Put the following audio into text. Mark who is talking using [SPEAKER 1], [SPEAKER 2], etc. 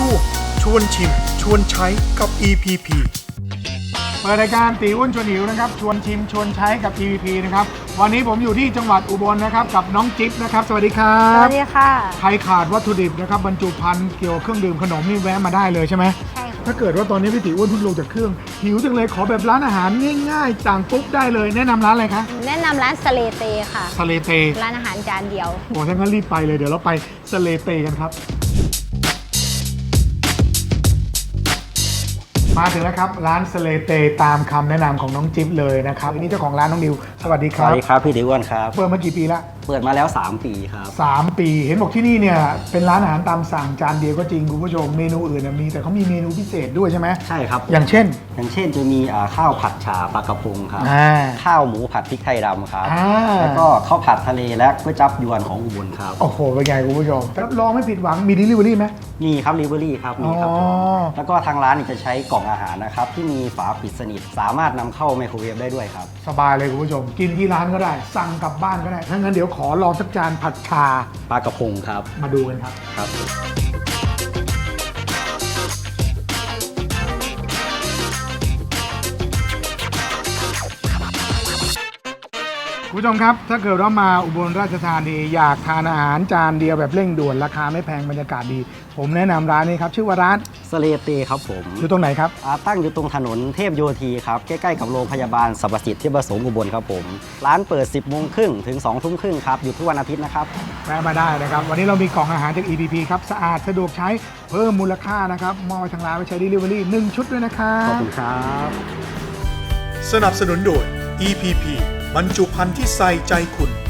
[SPEAKER 1] ช่วงชวนชิมชวนใช้กับ EPP เปิดรายการตีอ้วนชวนหิวนะครับชวนชิมชวนใช้กับ EPP นะครับวันนี้ผมอยู่ที่จังหวัดอุบลนะครับกับน้องจิ๊บนะครับสวัสดีครับ
[SPEAKER 2] สวัสดีค่ะ
[SPEAKER 1] ใครขาดวัตถุดิบนะครับบรรจุภัณฑ์เกี่ยวกับเครื่องดื่มขนมนี่แวะมาได้เลยใช่ไหม
[SPEAKER 2] ใช่ค่ะ
[SPEAKER 1] ถ้าเกิดว่าตอนนี้พี่ตีอ้วนเพิ่งลงจากเครื่องหิวจังเลยขอแบบร้านอาหารง่ายๆสั่งปุ๊บได้เลยแนะนำร้านอะไรคะ
[SPEAKER 2] แนะนำร้านสเลเตค่ะ
[SPEAKER 1] สเลเต
[SPEAKER 2] ร้านอาหารจานเดียว
[SPEAKER 1] โอ้ถ้างั้นรีบไปเลยเดี๋ยวเราไปสเลเตกันครับมาถึงแล้วครับร้านสเลเตตามคำแนะนำของน้องจิ๊บเลยนะครับอันนี้เจ้าของร้านน้องดิวสวัสดีค
[SPEAKER 3] ส
[SPEAKER 1] รับ
[SPEAKER 3] วัสดีครับพี่ดิวอนครับ
[SPEAKER 1] เปิดมากี่ปีละ
[SPEAKER 3] เปิดมาแล้ว3 ปีครับ
[SPEAKER 1] 3 ปีเห็นบอกที่นี่เนี่ยเป็นร้านอาหารตามสั่งจานเดียวก็จริงคุณผู้ชมเมนูอื่นมีแต่เขามีเมนูพิเศษด้วยใช่ไหม
[SPEAKER 3] ใช่ครับ
[SPEAKER 1] อย่างเช่น
[SPEAKER 3] จะมีข้าวผัดฉ่าปลากระพงครับข้าวหมูผัดพริกไทยดำครับแล้วก็ข้าวผัดทะเลและก๋วยจั๊บยวนของอุบลครับ
[SPEAKER 1] โอ้โหเป็นไงคุณผู้ชมรับรองไม่ผิดหวังมี delivery ไหม
[SPEAKER 3] มีครับลิเวอรี่ครับมีครับผมแล้วก็ทางร้านจะใช้กล่องอาหารนะครับที่มีฝาปิดสนิทสามารถนำเข้าไมโครเวฟได้ด้วยครับ
[SPEAKER 1] สบายเลยคุณผู้ชมกินที่ร้านก็ได้สั่งกลับบ้านก็ได้ถ้างั้นเดี๋ยวขอลองสักจานผัดชา
[SPEAKER 3] ปลากระพงครับ
[SPEAKER 1] มาดูกันครับ
[SPEAKER 3] ครับ
[SPEAKER 1] คุณผู้ชมครับถ้าเกิดว่ามาอุบลราชธานีอยากทานอาหารจานเดียวแบบเร่งด่วนราคาไม่แพงบรรยากาศดีผมแนะนำร้านนี้ครับชื่อว่าร้าน
[SPEAKER 3] สเลเตครับผม
[SPEAKER 1] อยู่ตรงไหนครับ
[SPEAKER 3] ตั้งอยู่ตรงถนนเทพโยธีครับใกล้ๆกับโรงพยาบาลสรรพสิทธิ์ที่ประสงค์อุบลครับผมร้านเปิด 10 โมงครึ่งถึง 2 ทุ่มครึ่งครับอยู่ทุกวันอาทิตย์นะครับ
[SPEAKER 1] แวะมาได้นะครับวันนี้เรามีกล่องอาหารจาก EPP ครับสะอาดสะดวกใช้เพิ่มมูลค่านะครับมอบทางร้านไปใช้ Delivery 1 ชุดด้วยนะครับ
[SPEAKER 3] ขอบคุณครับ
[SPEAKER 1] สนับสนุนโดย EPP บรรจุภัณฑ์ที่ใส่ใจคุณ